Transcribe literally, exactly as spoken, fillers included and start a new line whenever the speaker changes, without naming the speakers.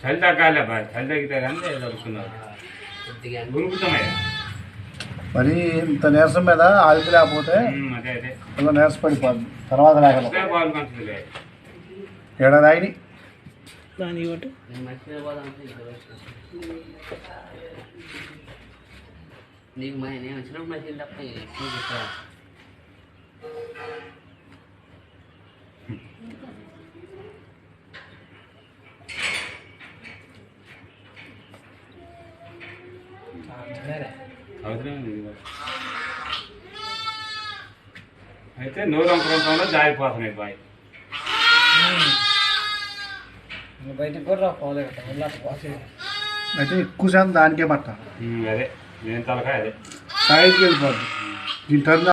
చలి తగ్గాలి బాయ్, చలి తగ్గితే కానీ దొరుకుతున్నారు గురుకుతామయ్యా.
మరి ఇంత నీరసం మీద ఆవిరి లేకపోతే
అదే అదే
ఇలా నీరస పడిపోద్ది తర్వాత లేకపోతే
పాలు మంచిది.
ఏడాది ఆయన
దాని ఒకటి
నీకు మా నేను వచ్చినప్పుడు మధ్య తప్ప
అయితే నూరు అంకరంలో జారిపోతున్నాయి బాయ్.
బయటికి కూడా పోలేదు
అయితే ఎక్కువ శాతం దానికే పట్టాలి.
అదే నేను తలకాయ అదే
సైడ్కి వెళ్ళిపోద్ది దీని టర్న్